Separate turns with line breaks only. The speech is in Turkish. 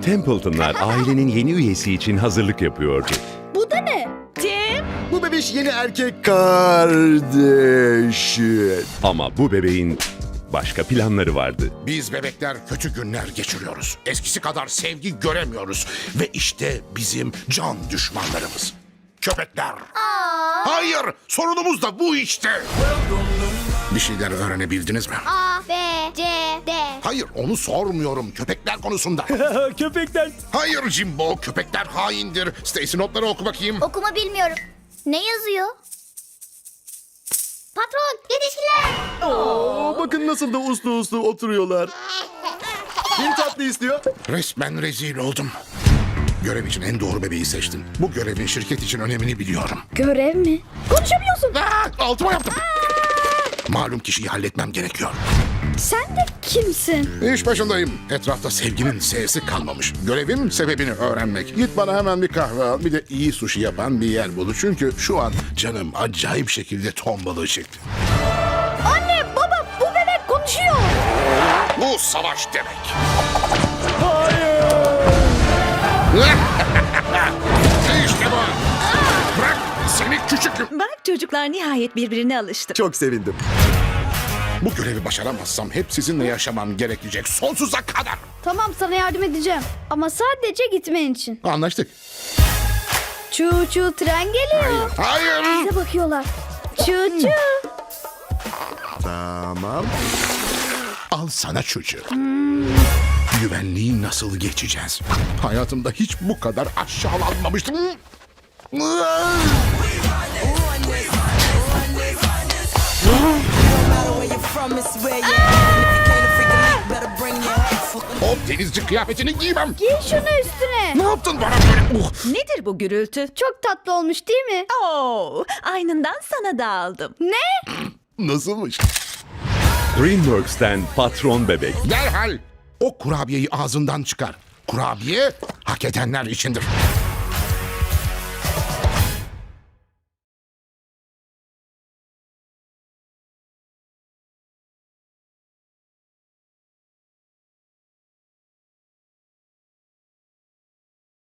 Templeton'lar ailenin yeni üyesi için hazırlık yapıyordu.
Bu da ne?
Tim,
Bu bebiş yeni erkek kardeşi.
Ama bu bebeğin başka planları vardı.
Biz bebekler kötü günler geçiriyoruz. Eskisi kadar sevgi göremiyoruz. Ve işte bizim can düşmanlarımız. Köpekler. Hayır, sorunumuz da bu işte. Bir şeyler öğrenebildiniz mi?
A, B, C, D.
Hayır, onu sormuyorum. Köpekler konusunda.
Köpekler.
Hayır Jimbo, köpekler haindir. Stacy notları oku bakayım.
Okuma bilmiyorum. Ne yazıyor? Patron, yetişkiler.
Bakın nasıl da uslu uslu oturuyorlar. Bir tatlı istiyor.
Resmen rezil oldum. Görev için en doğru bebeği seçtim. Bu görevin şirket için önemini biliyorum.
Görev mi? Konuşamıyorsun.
Altıma yaptım. Malum kişiyi halletmem gerekiyor.
Sen de kimsin?
İş başındayım. Etrafta sevginin S'si kalmamış. Görevim sebebini öğrenmek. Git bana hemen bir kahve al. Bir de iyi sushi yapan bir yer bul. Çünkü şu an canım acayip şekilde ton balığı çekti.
Anne, baba, bu bebek konuşuyor.
Bu savaş demek. İşte bu. Bırak seni küçük.
bak çocuklar nihayet birbirine alıştı.
Çok sevindim.
Bu görevi başaramazsam hep sizinle yaşamam gerekecek sonsuza kadar.
Tamam, sana yardım edeceğim. Ama sadece gitmen için.
Anlaştık.
Çu çu tren geliyor.
Hayır.
Bize bakıyorlar. Çu çu.
Tamam.
Al sana çocuğu. Güvenliği nasıl geçeceğiz? Hayatımda hiç bu kadar aşağılanmamıştım. O denizci kıyafetini giymem.
Giy şunu üstüne.
Ne yaptın bana böyle?
Nedir bu gürültü?
Çok tatlı olmuş değil mi?
Oo, aynından sana da aldım.
Ne?
Nasılmış?
DreamWorks'ten Patron Bebek.
Derhal o kurabiyeyi ağzından çıkar. Kurabiye hak edenler içindir.